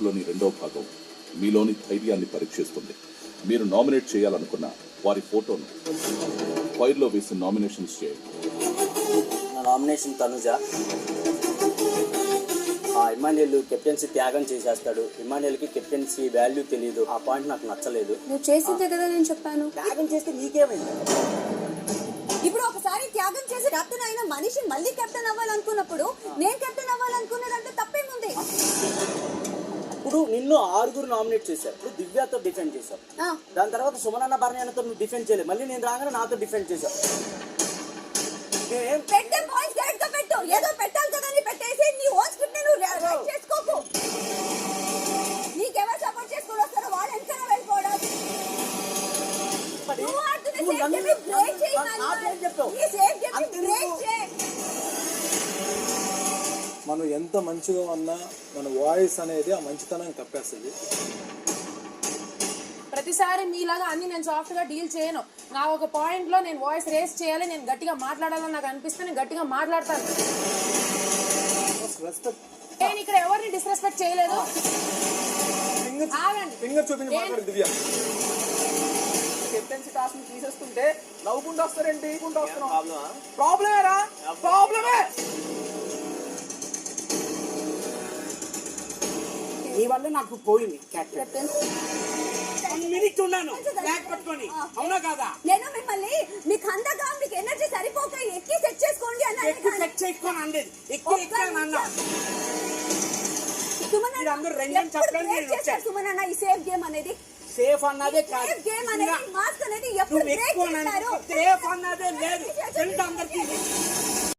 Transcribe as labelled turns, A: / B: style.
A: కోర్సులోని రెండవ భాగం మీలోని ధైర్యాన్ని పరీక్షిస్తుంది. మీరు నామినేట్ చేయాలనుకున్న వారి ఫోటోను ఫైల్లో వేసి నామినేషన్స్ చేయండి.
B: నా నామినేషన్ తనుజ. ఇమాన్యుయల్ కెప్టెన్సీ త్యాగం చేసేస్తాడు. ఇమాన్యుయల్కి కెప్టెన్సీ వాల్యూ తెలియదు. ఆ పాయింట్ నాకు నచ్చలేదు.
C: నువ్వు చేసిందే కదా నేను చెప్పాను.
B: త్యాగం చేస్తే నీకేమైంది?
C: ఇప్పుడు ఒకసారి త్యాగం చేసి కెప్టెన్ అయిన మనిషి మళ్ళీ కెప్టెన్ అవ్వాలనుకున్నప్పుడు నేను కెప్టెన్ అవ్వాలనుకున్నదంటే తప్పేముంది?
B: ఇప్పుడు నిన్ను 6 నామినేట్ చేశారు. ఇప్పుడు దివ్యతో డిఫెండ్ చేశావు. దాని తర్వాత సుమనన్న భరణ్యతో నువ్వు డిఫెండ్ చేయలేదు. మళ్ళీ నేను రాగానే నాతో డిఫెండ్ చేశావు.
C: పెట్టే పాయింట్స్ కరెక్ట్ గా పెట్టు. ఏదో పెట్టాలి కదా అని పెట్టేసి నీ ఓన్ స్క్రిప్ట్ నువ్వు రైట్ చేసుకోకు. నీకెవరు సపోర్ట్ చేసుకొని వస్తారో వాళ్ళు ఎంతైనా వెళ్ళిపోవడం.
D: మనం ఎంత మంచిగా ఉన్నా మన వాయిస్ అనేది ఆ మంచితనం కప్పేస్తుంది.
E: ప్రతిసారి మీలాగా అన్ని నేను సాఫ్ట్ గా డీల్ చేయను. నా ఒక పాయింట్ లో నేను వాయిస్ రేస్ చేయాలి, నేను గట్టిగా మాట్లాడాలని నాకు అనిపిస్తే నేను గట్టిగా మాట్లాడతాను. నేను ఇక్కడ ఎవరిని డిస్రెస్పెక్ట్ చేయలేదు.
F: కెప్టెన్సీ టాస్క్ ని తీసేస్తుంటే నవ్వుకుంటూ వస్తారేంటి? ప్రాబ్లమేరా? ప్రాబ్లమే. నీ వల్ల నాకు పోయింది కెప్టెన్. మినిట్ ఉన్నాను బ్యాగ్ పట్టుకొని. అవునా కాదా?
C: నేను మిమ్మల్ని మీకు అందగా మీకు ఎనర్జీ సరిపోక ఎక్కి సెట్ చేసుకోండి అన్నా.
F: ఎక్కువ సెట్ చేసుకోని అనలేదు, ఎక్కువ అన్నా.
C: అందరూ రెండు చెప్పలేదు. సుమన్ అన్న ఈ సేఫ్ గేమ్ అనేది
F: సేఫ్ అన్నదే కాదు.
C: సేఫ్ గేమ్ అనేది మాస్క్ అనేది ఎప్పుడు బ్రేక్ చేస్తారు?
F: సేఫ్ అన్నదే లేదు. అందరికీ